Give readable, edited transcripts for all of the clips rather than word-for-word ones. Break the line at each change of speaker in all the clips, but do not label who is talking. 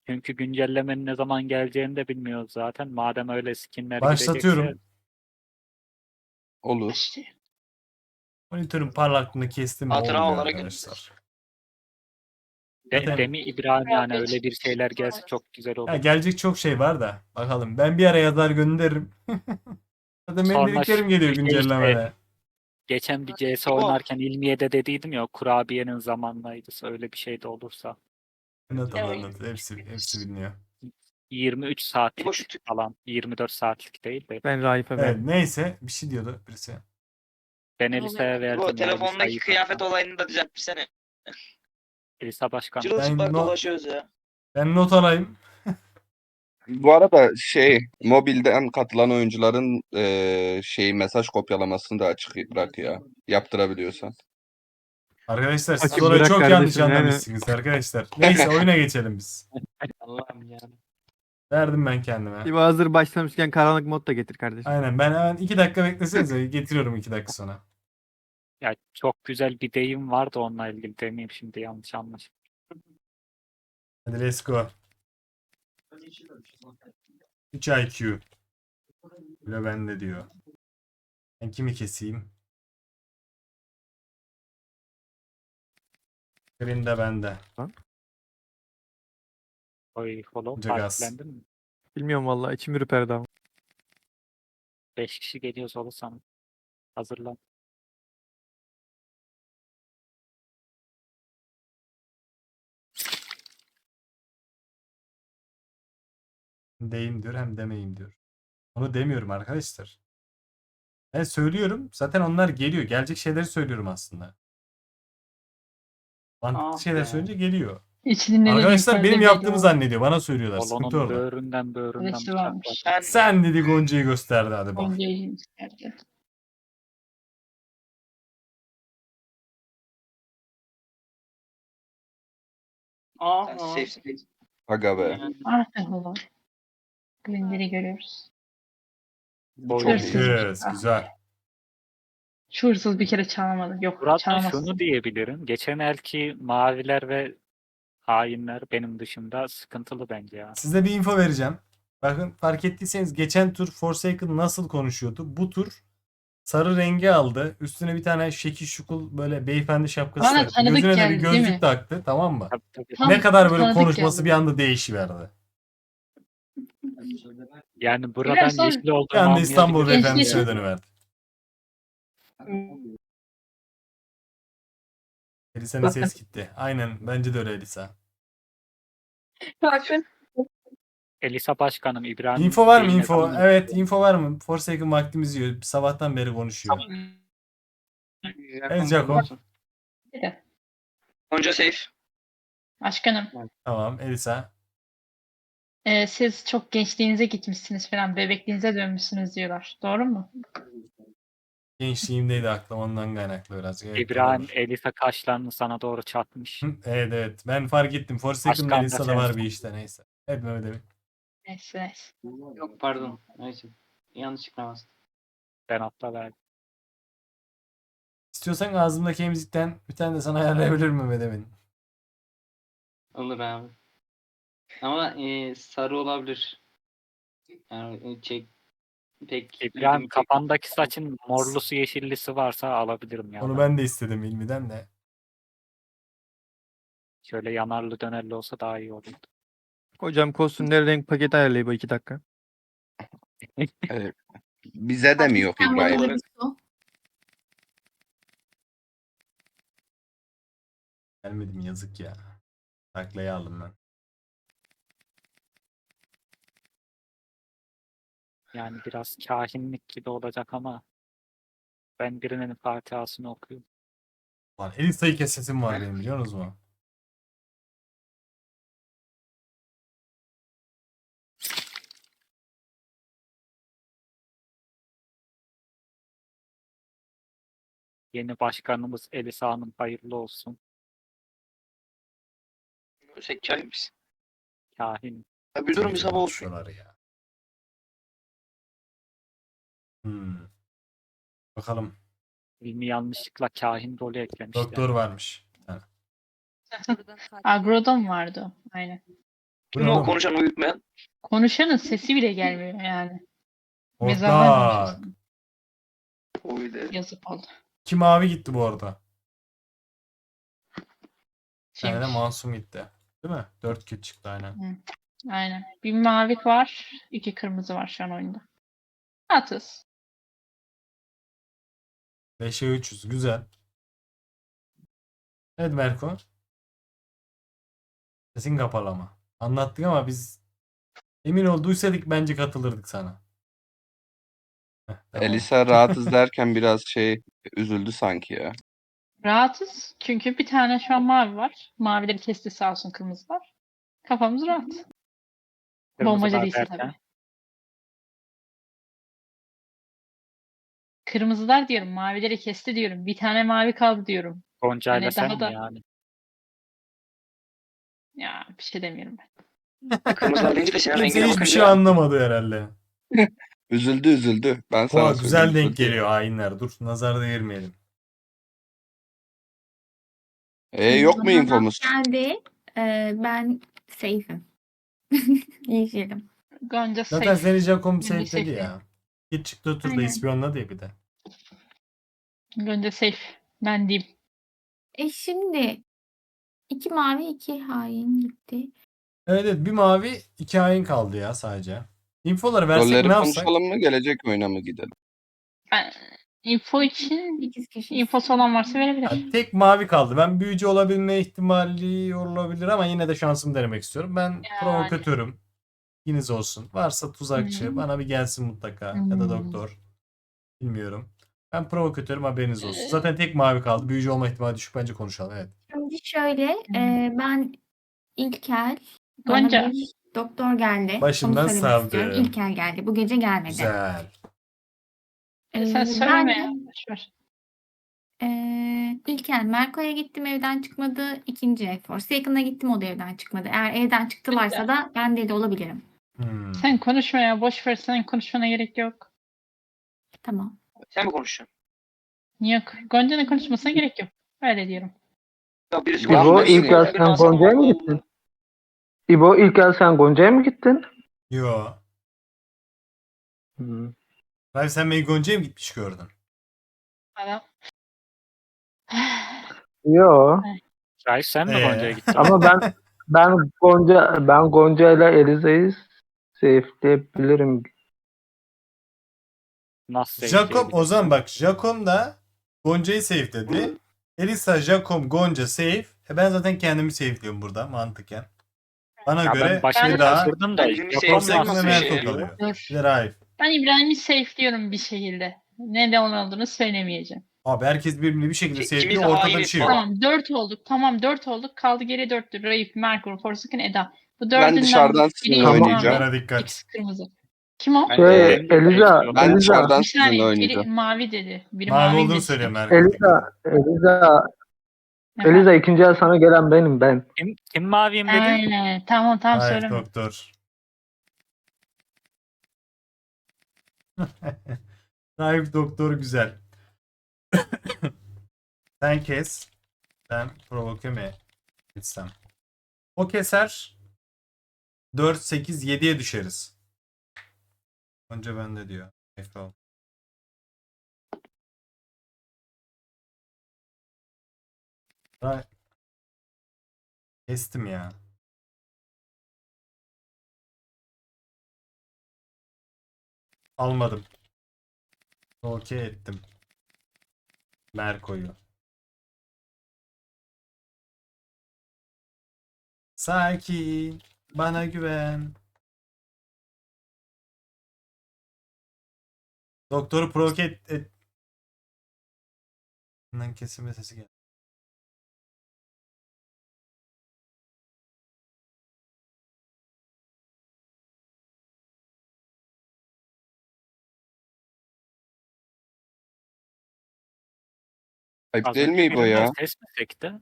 Çünkü güncellemenin ne zaman geleceğini de bilmiyoruz zaten. Madem öyle skinler gidecekse
Başlatıyorum.
Olur.
İşte.
Monitörün parlaklığını kestim mi
Hatıra
olmuyor
olarak
arkadaşlar.
de,
Zaten
Demi İbrahim yani öyle bir şeyler gelse çok güzel
ya
olur.
gelecek çok şey var da bakalım. Ben bir ara yazar gönderirim. Zaten benim
Sonra
dediklerim geliyor
bir şey işte,
güncellemede.
geçen bir CS oynarken İlmiye'de dediydim ya, o kurabiyenin zamanlaydı. Öyle bir şey de olursa.
Anlat anlat. Hepsi biliniyor.
23
İbo
saatlik
şu tüp.
falan. 24 saatlik değil de.
Ben Raif'e
Evet
verdim.
neyse bir şey diyordu birisi.
Ben Elisa'ya
İbo
verdim ya.
telefondaki
Elisa'yı
kıyafet olayını da düzeltmişsene.
Elisa Başkan.
Çırılçıplak
Ben,
dolaşıyoruz ya.
ben not alayım.
Bu arada mobilden katılan oyuncuların mesaj kopyalamasını da açık bırak ya. Yaptırabiliyorsan.
Arkadaşlar siz
Açık
orayı
bırak
çok yanlış
kardeşim, yani.
anlamışsınız arkadaşlar. Neyse oyuna geçelim biz.
Allah'ım ya.
Verdim ben kendime.
İbo hazır başlamışken karanlık mod da getir kardeşim.
Aynen ben hemen 2 dakika beklesenize getiriyorum 2 dakika sonra.
Ya çok güzel bir deyim vardı, onunla ilgili demeyeyim şimdi, yanlış anlaşılma.
Hadi let's go. 3 IQ. Bile bende diyor. Ben kimi keseyim? Green de bende.
Oy follow
Önce gaz.
partilendin mi?
Bilmiyorum vallahi, içim ürperdi ama.
5 kişi geliyorsa olursam hazırlan.
Deyim diyor hem demeyim diyor. Onu demiyorum arkadaşlar. Ben söylüyorum. Zaten onlar geliyor. Gelecek şeyleri söylüyorum aslında. Mantıklı şeyler söyleyince geliyor.
İçinin
Arkadaşlar benim yaptığımı zannediyor. Bana söylüyorlar. Sıkıntı
Kolonun
orada.
böğründen
Arkadaşı
bıçak
varmış.
var.
Ben
Sen dedi Gonca'yı gösterdi hadi bak.
Gonca'yı isterdi.
sen safe'sin.
Aga be.
Artık olur. Glender'i görüyoruz.
Bu çok
Hırsız.
iyi.
Kız güzel.
Şu hırsız bir kere çalamadı. Yok
Burada
çalamazsın.
şunu diyebilirim. Geçen elki maviler ve hainler benim dışımda sıkıntılı bence ya.
Size bir info vereceğim. Bakın fark ettiyseniz geçen tur Forsaken nasıl konuşuyordu? Bu tur sarı rengi aldı. Üstüne bir tane şekil şukul böyle beyefendi şapkası
Bana
taktı.
tanıdık
Gözüne de bir
geldi, değil mi?
gözlük taktı. Tamam mı?
Tabii, tabii.
Tam
Ne kadar böyle
tanıdık
konuşması
geldi.
bir anda değişiverdi.
Yani buradan
Biraz sonra-
yeşil
Bir
olduğunu
anda İstanbul
anlayabilirim.
beyefendisine
Gençleşin.
dönüverdi. Elisa'nın ses gitti. Aynen bence de öyle Elisa.
Bakın.
Elisa Başkanım İbrahim
Info var mı
Bey'in ne
info?
zaman-
Evet info var mı? Forsaken vaktimiz yiyor. Sabahtan beri konuşuyor. Evet Jaco.
Gonca safe.
Başkanım.
Tamam Elisa.
Siz çok gençliğinize gitmişsiniz falan. Bebekliğinize dönmüşsünüz diyorlar. Doğru mu?
Gençliğimdeydi aklım ondan kaynaklı biraz. Evet,
İbrahim
doğru.
Elisa kaşlarını sana doğru çatmış.
Hı, evet evet. Ben fark ettim. Forsaken'ın
Başkan da
Elisa'da var
sensin.
bir işte neyse. Hep Mehmet Emin.
Neyse neyse.
Yok pardon. Neyse. Yanlışlıkla bastım.
Ben atla verdim.
İstiyorsan ağzımdaki emzikten bir tane de sana ayarlayabilirim Mehmet Emin.
Olur abi. Ama sarı olabilir. Yani pek
İbrahim
ilgimi
kafandaki saçın morlusu yeşillisi varsa alabilirim ya.
Onu ben de istedim İlmi'den de.
Şöyle yanarlı dönerli olsa daha iyi olurdu.
Hocam kostümleri renk paketi ayarlayıp 2 dakika.
Bize de mi yok İbrahim?
Gelmedim yazık ya. Taklayı aldım ben.
Yani biraz kahinlik gibi olacak ama ben birinin Fatiha'sını okuyorum.
Lan Elisa'yı kesesim var benim biliyor musunuz mu?
Yeni başkanımız Elisa Hanım hayırlı olsun.
Sen kahin misin?
Kahin.
Ya bir durum bir sabah olsun.
Konuşuyorlar ya. Bakalım.
İlmi yanlışlıkla kahin rolü eklemişler.
Doktor varmış. Ha.
Agro'da mı vardı o? Aynen.
Bu
Kim
ne
o
oğlum?
konuşan uyutmayan?
Konuşanın sesi bile gelmiyor yani. Mezardan
Ortak.
konuşuyorsun.
Oydu.
Yazık oldu.
İki mavi gitti bu arada. Bir tane de
Kimmiş?
Masum gitti. Değil mi? 4 kill çıktı aynen.
Aynen. Bir mavi var, 2 kırmızı var şu an oyunda. Atız.
5'e 300. Güzel. Evet Berko. Sesin kapalı ama. Anlattık ama biz emin olduysak bence katılırdık sana. Heh, tamam.
Elisa rahatız derken biraz üzüldü sanki ya.
Rahatız. Çünkü bir tane şu an mavi var. Mavileri kesti sağ olsun kırmızılar. Kafamız rahat. Bombacı
Kırmızılar
değilse
derken.
tabii. Kırmızılar diyorum. Mavileri kesti diyorum. Bir tane mavi kaldı diyorum.
Gonca ile
Hani
sen
daha
mi
da-
yani?
Ya bir şey demiyorum ben.
Kırmızılar deyince de senin
Kimse
rengine
hiçbir şey
bakınca
anlamadı herhalde.
Üzüldü. Ben sana
Oha, güzel
söyleyeyim,
denk
üzüldü.
geliyor hainler. Dur nazar değirmeyelim.
Yok mu
Bana
infomuz?
geldi. Ben safe'im. Yeşilim.
Gonca
Zaten
safe.
seni Jacom
Yani
sevdi
safe
ya. Git çıktı otur da
Aynen.
ispiyonla diye bir de.
Gonca safe. Ben diyeyim.
Şimdi 2 mavi 2 hain gitti.
Evet bir mavi 2 hain kaldı ya sadece. Infoları versek
Rolleri
ne yapsak?
konuşalım mı? Gelecek oyuna mı gidelim?
Ben info için
8 kişi.
infosu olan varsa verebilir.
Yani tek mavi kaldı. Ben büyücü olabilme ihtimali olabilir ama yine de şansımı denemek istiyorum. Ben
Yani.
provokatörüm. İkiniz olsun. Varsa tuzakçı
Hı.
bana bir gelsin mutlaka. Ya da
Hı.
doktor. Bilmiyorum. Ben provokatörüm, haberiniz olsun. Zaten tek mavi kaldı. Büyücü olma ihtimali düşük, bence konuşalım. Evet.
Şimdi şöyle ben İlkel bana
Gonca.
bir doktor geldi.
Başından
Onu söylemek
savdım.
istiyorum. İlkel geldi. Bu gece gelmedi.
Güzel.
Sen
Ben
söyleme
de
ya. Boşver.
İlkel Merko'ya gittim, evden çıkmadı. İkinci Forsaken'a gittim, o da evden çıkmadı. Eğer evden çıktılarsa da ben deli olabilirim.
Sen konuşma ya. Boş ver. Senin konuşmana gerek yok.
Tamam.
sen mi konuşuyorsun?
Yok. Gonca'nın konuşmasına gerek yok. Öyle diyorum.
Ya birisi
İbo,
konuşuyor,
ilk
birisi
yaz
konuşuyor, ben sana
Gonca'ya mı
Allah
gittin?
Allah.
İbo ilk el sen Gonca'ya mı gittin?
Yo.
Hı.
Hayır, sen beni Gonca'ya mı gitmiş gördün?
Adam.
Yo.
Şahit sen mi
Ee?
Gonca'ya gittin?
Ama ben Gonca ile Eliza'yı safe'leyebilirim.
Nasıl
Jacom
sevdiğini
Ozan bak. Jacom da Gonca'yı save dedi. Elisa, Jacom, Gonca save. Ben zaten kendimi safe'liyorum burada mantıken. Bana
Ya
göre
ben başta
bir daha
şaşırdım da.
Ben birini
Jacom
Forsaken
nasıl
ve
sevdim.
Merko
sevdi?
kalıyor.
Dur.
Bir de Raif.
Ben İbrahim'i safe'liyorum bir şekilde. Neden olduğunu söylemeyeceğim.
Abi herkes birbirini bir şekilde
İkimiz
safe'liyor.
de
Ortada
hainiz
bir şey yok.
falan.
Tamam 4 olduk. Tamam 4 olduk. Kaldı geri 4'tür. Raif, Merkur, Forsaken, Eda. Bu
Ben
dördünden
dışarıdan
biri
sizinle
mavi,
oynayacağım.
Bana dikkat.
ikisi kırmızı. Kim o?
Ben
Şey,
benim de
Eliza,
safe'liyorum.
Ben
Eliza.
dışarıdan
Bir
sizinle
saniye. Biri
oynayacağım.
mavi dedi. Biri
Mavi
mavi
olduğunu
dedi.
söylüyor Merko.
Eliza ikinci el sana gelen benim ben.
Kim maviyim dedi?
Aynen. Tamam
Raif
söyleme.
doktor. Raif doktor güzel. Sen kes. Ben provoke mi etsem? O keser. 4, 8, 7'ye düşeriz. Önce bende diyor. Efendim. Kestim ya. Almadım. Okey ettim. Merko'yu. Sakin. Bana güven. Doktoru provoke et. Bundan kesilme sesi geldi.
Ayıp
Az
değil mi
önce
İbo
birinden
ya?
ses mi sekti?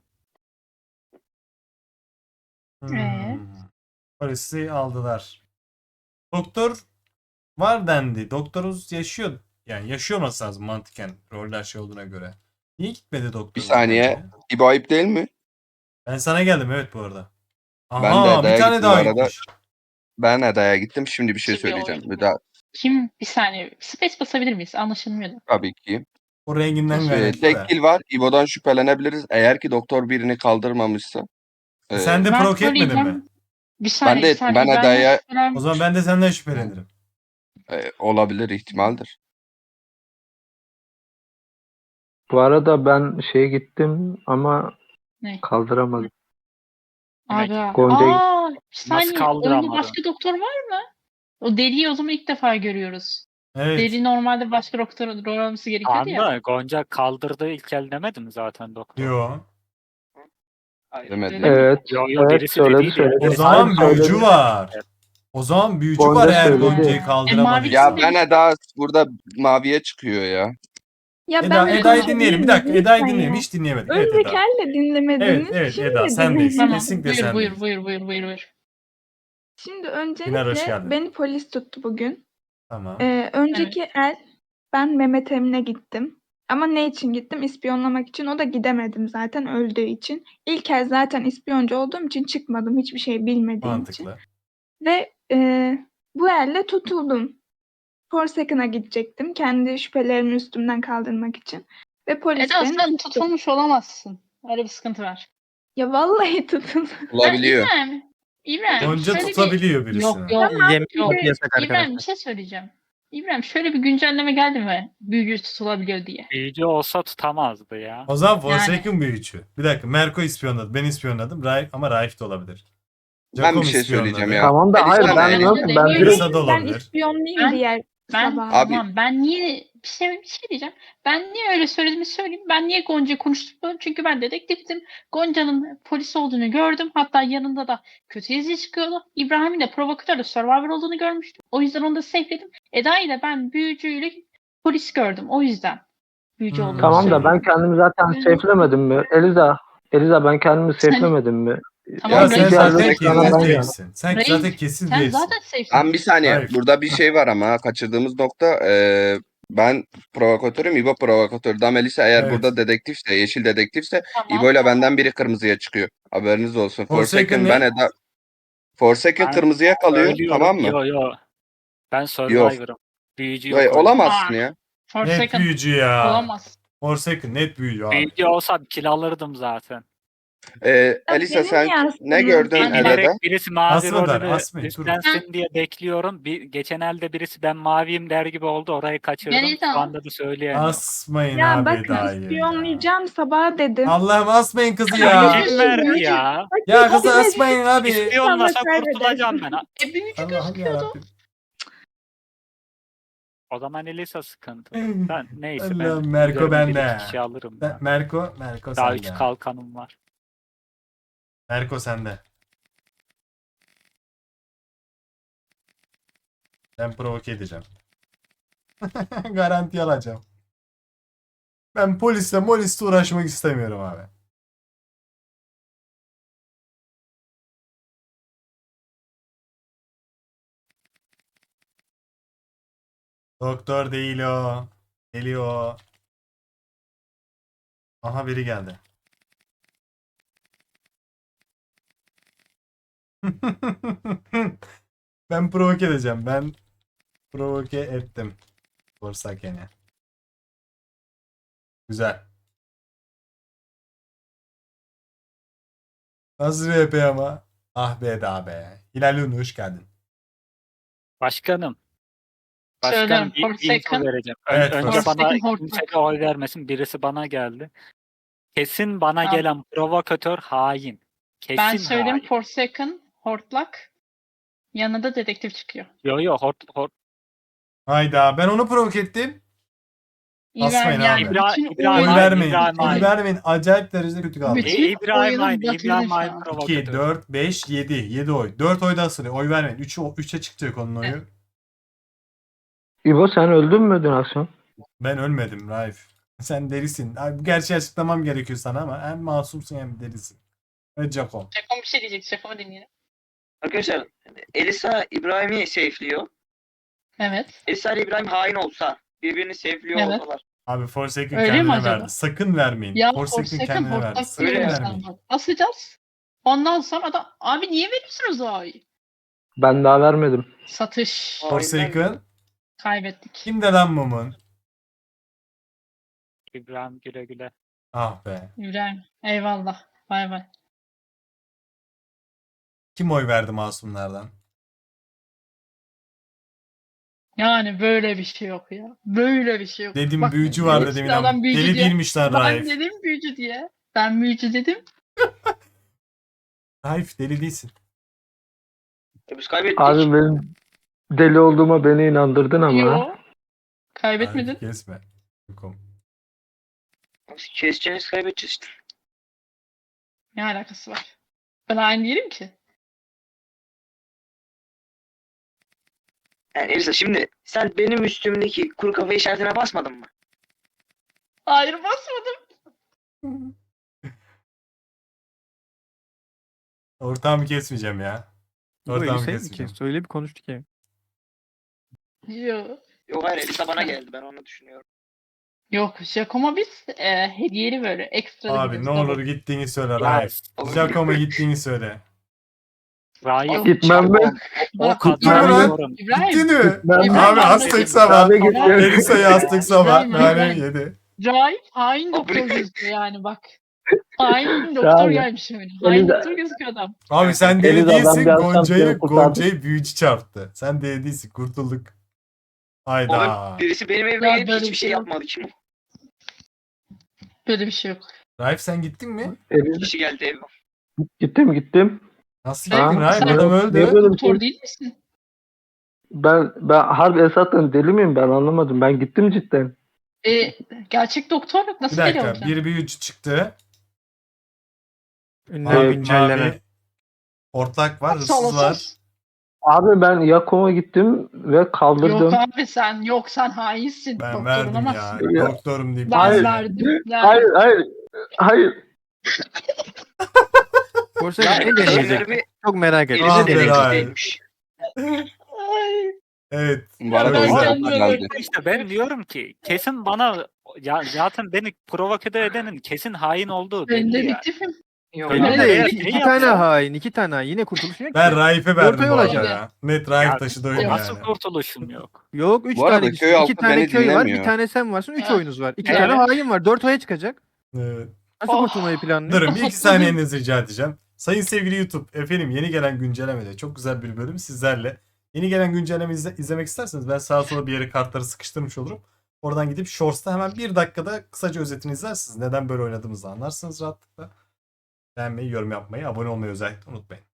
Polisi aldılar. Doktor var dendi. Doktoruz yaşıyor. Yani yaşıyor olması lazım mantıken. Roller şey olduğuna göre. Niye gitmedi doktor?
Bir saniye. İbo ayıp değil mi?
Ben sana geldim evet bu arada. Aha bir
Eda'ya
tane
gittim
daha
bu arada.
gitmiş.
Ben Eda'ya gittim. Şimdi bir şey
Şimdi
söyleyeceğim.
oyun-
Bir daha
Kim? Bir saniye. Space basabilir miyiz? Anlaşılmıyordu.
tabii ki.
O renginden kaynaklı
Tek
da.
kill var. İbo'dan şüphelenebiliriz. Eğer ki doktor birini kaldırmamışsa.
Sen de
Ben
provoke etmedin mi?
söyleyeceğim. Bir saniye.
Ben de
bir
ettim.
saniye.
Ben Eda'ya
O zaman ben de senden şüphelenirim.
olabilir ihtimaldir.
Bu arada ben şeye gittim ama
Ne?
kaldıramadım.
Abi.
Gonca'yı-
Aa, bir saniye. Oyunda
kaldıramadın?
başka doktor var mı? O deliyi o zaman ilk defa görüyoruz.
Evet.
Deli normalde başka doktor olması gerekiyordu ya.
Anda Gonca kaldırdığı ilk el demedi mi zaten doktor?
Yo.
Hayır.
Demedi.
Öyle mi?
Evet.
Yo yo
Evet,
birisi
söyledi,
dediydi ya.
söyledi.
O
Birisi
zaman
Hayır,
büyücü
söyledi.
var. O zaman büyücü
Gonca
var eğer
söyledi.
Gonca'yı kaldıramadı.
mavi-
Ya ben Eda burada maviye çıkıyor ya.
Ya
Eda,
ben
Eda'yı
konuşabilir
dinleyelim. Bir
miyim?
dakika Eda'yı
Lütfen
dinleyelim.
ya.
Hiç dinlemedik. Evet
Önceki
Eda.
elle dinlemediniz.
Evet
Şimdi
Eda sendeyiz.
dinleyin.
Tamam.
Kesinlikle
Buyur,
sendeyiz.
buyur.
Şimdi
Pınar, hoş
öncelikle
geldin.
beni polis tuttu bugün.
Tamam.
Önceki el ben Mehmet Emin'e gittim. Ama ne için gittim? İspiyonlamak için. O da gidemedim zaten öldüğü için. İlk el zaten ispiyoncu olduğum için çıkmadım. Hiçbir şey bilmediğim için.
Mantıklı.
Ve bu elle tutuldum. Forsaken'a gidecektim. Kendi şüphelerimi üstümden kaldırmak için. Ve polis
Eda
beni
sen
tuttu.
tutulmuş olamazsın. Öyle bir sıkıntı var.
Ya vallahi tutun.
Olabiliyor.
İbrahim,
Gonca
şöyle bir...
tutabiliyor birisini.
Yok yok.
Yemek
Yok.
yasak
İbrahim bir
arkadaşlar.
şey söyleyeceğim. İbrahim şöyle bir güncelleme geldi mi? Büyücü tutulabiliyor diye.
Büyücü olsa tutamazdı ya.
O zaman Forsaken büyücü. Bir dakika Merko ispiyonladı. Ben ispiyonladım. Ama Raif de olabilir.
Ben
Jacob
bir şey
ispiyonladı.
söyleyeceğim ya.
Tamam da
Elisa
hayır
ne?
ben
Elisa
nasıl ben
demiyor.
direkt
Elisa da
Ben
olabilir.
ispiyonlayayım
Ben-
diğer
Ben
sabah.
Abi-
tamam ben niye bir şey diyeceğim. Ben niye öyle söylediğimi söyleyeyim. Ben niye Gonca'yı konuştum? Çünkü ben dedektiftim. Gonca'nın polis olduğunu gördüm. Hatta yanında da kötü yazı çıkıyordu. İbrahim'in de provokatörle Survivor olduğunu görmüştüm. O yüzden onu da safe'ledim. Eda'yı da ben büyücüyle polis gördüm. O yüzden büyücü olduğunu
tamam da
söyledim.
ben kendimi zaten safe'lemedim mi? Eliza ben kendimi safe'lemedim mi?
Tamam,
Ya
Ya
sen
Reis,
zaten
zaten
kesin
sana ben
değilsin. Sen
Reis,
zaten kesin
sen
değilsin.
zaten safe'sin.
Lan bir saniye.
Hayır.
Burada bir şey var ama kaçırdığımız nokta. Ben provokatörüm. İbo provokatör. Melisa eğer
Evet.
burada dedektifse, yeşil dedektifse
Tamam.
İbo ile benden biri kırmızıya çıkıyor. Haberiniz olsun.
Forsaken
Forsaken
ne?
ben Eda. Forsaken
Ben
kırmızıya kalıyor.
Ölüyorum.
Tamam mı?
Yo. Ben Survivor'ım. Büyücü yok.
Vay,
oyunda.
olamazsın ya.
Net
Forsaken
büyücü ya.
olamaz.
Forsaken net büyücü abi.
Büyücü olsam kill alırdım zaten.
Elisa
benim
sen
yansıdığım-
ne gördün
Ben
Eda'da?
bilerek birisi mavi
Asmadan,
rolünü
asmayın,
üstlensin diye bekliyorum. Geçen elde birisi ben maviyim der gibi oldu. Orayı kaçırdım.
Ben Eda.
Şu anda da söyleyemiyorum.
Asmayın
Ya
abi
bakın
Eda'yı.
ispiyonlayacağım sabah dedim.
Allah'ım asmayın kızı
Ya.
ya.
Kim verdi ya?
Ya kızı asmayın abi.
İspiyonlasa
Allah kaybeder.
kurtulacağım ben.
Büyücü
Allah'ım
gözüküyordu.
yarabbim.
O zaman Elisa sıkıntı. Ben neyse ben
Allah'ım, Merko
giderim, bir
bende.
iki kişi alırım. ben.
Merko
Daha 3
sende.
kalkanım var.
Merko sende. Ben provoke edeceğim. Garanti alacağım. Ben molisle uğraşmak istemiyorum abi. Doktor değil o. Geliyor. Aha biri geldi. Ben provoke edeceğim. Ben provoke ettim. Forsaken'e. Güzel. Nasıl RP ama? Ah be da be. Hilal Ünlü hoş geldin.
Başkanım.
Söylüyorum,
Bir info
Forsaken.
vereceğim.
Evet,
Önce
Forsaken
bana
hortlak.
kimse de oy vermesin. Birisi bana geldi. Kesin bana
Tamam.
gelen provokatör hain. Kesin
Ben söyleyeyim
hain.
Forsaken, Hortlak. Yanında dedektif çıkıyor.
Yo
Hayda ben onu provoke ettim. Asmayın
Yani
abi.
bütün
İbrahim
Oy
Hayır,
vermeyin.
İbrahim
Oy
Hayır.
vermeyin. Acayip derecede kötü kaldı.
Bütün
İbrahim
oyunu
Hain.
batırdın
İbrahim
şu
Hain
an.
2,
provokatör.
4, 5, 7. 7 oy. 4 oy da asılıyor. Oy vermeyin. 3'e çıkacak onun oyu.
İbo sen öldün mü dün akşam?
Ben ölmedim Raif. Sen delisin. Ay, bu gerçeği açıklamam gerekiyor sana ama hem masumsun hem delisin. Ve Jacob.
Şakom bir şey diyecek. Şakom'u dinleyelim.
Arkadaşlar Elisa İbrahim'i safe'liyor.
Evet.
Elisa ile İbrahim hain olsa birbirini safe'liyor
Evet.
olsalar.
Abi Forsaken
Öyle mi
kendine
acaba?
verdi. Sakın vermeyin.
Ya
Forsaken
Forsaken
kendine verdi.
Hortlak
Sakın
Öyle
diyorum
vermeyin.
sana. Asacağız. Ondan sonra da abi niye veriyorsunuz o ayı?
Ben daha vermedim.
Satış.
Forsaken.
Kaybettik.
Kimde lan mumun?
İbrahim güle güle.
Ah be.
İbrahim. Eyvallah. Bay bay.
Kim oy verdi masumlardan?
Yani böyle bir şey yok ya. Böyle bir şey yok.
Dedim
Bak,
büyücü var
hepsi
dedim.
adam
İnan.
büyücü
Deli
diye.
değilmiş lan
Ben
Raif.
dedim büyücü diye. Ben büyücü dedim.
Raif deli değilsin.
Biz kaybettik.
Abi benim deli olduğuma beni inandırdın ama.
Yo. Kaybetmedin.
Raif kesme. Yokum.
Keseceğiz, kaybedeceğiz işte.
Ne alakası var? Ben aynı değilim ki.
Yani Elisa şimdi sen benim üstümdeki kuru kafa işaretine basmadın mı?
Hayır basmadım.
Ortağımı kesmeyeceğim ya.
Bu
Ortağımı
Elisa'yı mı
kesmeyeceğim.
kes? Öyle bir konuştuk ya.
Yo.
Yok hayır, Elisa bana geldi, ben onu düşünüyorum.
Yok. Jacom'a biz hediyeli böyle ekstra da
Abi ne
gidiyoruz.
olur gittiğini söyle
Ya,
Raif. Giacomo gittiğini söyle.
Raif
Gitmem ben.
o
Gittin mi
kadar
lan?
diyorum.
İbrahim.
Gittin mi?
Ben-
İbrahim,
Abi
ben
astık
de-
sabah.
Abi gittim.
Elisa'yı astık sabah.
İbrahim,
Yani
İbrahim.
yedi.
Raif hain doktor gözüküyor yani bak. Hain doktor
Abi.
gelmiş öyle. Hain
Elisa-
doktor gözüküyor adam.
Abi sen deli
Eliza, ben
değilsin.
bir akşam
Gonca'yı
seni kurtardım.
Gonca'yı büyücü çarptı. Sen deli değilsin. Kurtulduk. Hayda.
Oğlum birisi benim evime
Ya
gelip
böyle
hiçbir
bir
şey
şey yok.
yapmadı, kim o?
Böyle bir şey yok.
Raif sen gittin mi?
Kişi geldi evime.
Gittim.
Nasıl
Ben-
gittin Raif?
sen-
Adam
Niye
öldü.
böyle bir şey?
Doktor değil misin?
Ben harbi Esat'tan deli miyim ben anlamadım. Ben gittim cidden.
Gerçek doktorluk
Bir
nasıl geliyor
dakika.
oradan?
Bir büyücü çıktı.
Ünlem
Mavi,
güncelleme.
mavi hortlak var.
Sağ
Hırsız var.
olasın.
Abi ben Yakom'a gittim ve kaldırdım.
Yok abi sen hainsin.
Ben
Doktor
verdim ya.
olamazsın.
Ya.
Doktorum deyip.
Ben
Hayır.
verdim.
Hayır.
Forsaken ne deneyecek?
bir
Çok merak ettim.
Ah
Elisa
be
deneyiciymiş.
Ay,
Evet.
Bu arada
Ben
o yüzden
kendime
geldi.
İşte ben diyorum ki kesin bana ya zaten beni provoke edenin kesin hain olduğu
ben
belli ya.
dedektifim.
Yok
Öyle
Öyle
abi.
de-
de
ne
iki
yapsa?
tane hain, iki tane hain. Yine kurtuluşun yok
Ben
ki.
Raif'e verdim
Ortaya
bu arada
olacak.
ya. Net Raif
Ya,
taşıdı oyunu
Nasıl
yani.
kurtuluşum yok?
Yok 3
Bu arada
tane
köy
iki
halkı
tane
beni
köy var,
dinlemiyor.
bir tane sen varsın, 3
Evet.
oyunuz var. 2
Evet.
tane hain var, 4 oya çıkacak.
Evet.
Nasıl
Oh.
kurtulmayı planlıyor?
Durun bir iki
Haklısın.
saniyenizi rica edeceğim. Sayın sevgili YouTube, efendim yeni gelen güncellemede çok güzel bir bölüm sizlerle. Yeni gelen güncelleme izlemek isterseniz ben sağa sola bir yere kartları sıkıştırmış olurum. Oradan gidip Shorts'ta hemen bir dakikada kısaca özetini izlersiniz. Neden böyle oynadığımızı anlarsınız rahatlıkla. Beğenmeyi, yorum yapmayı, abone olmayı özellikle unutmayın.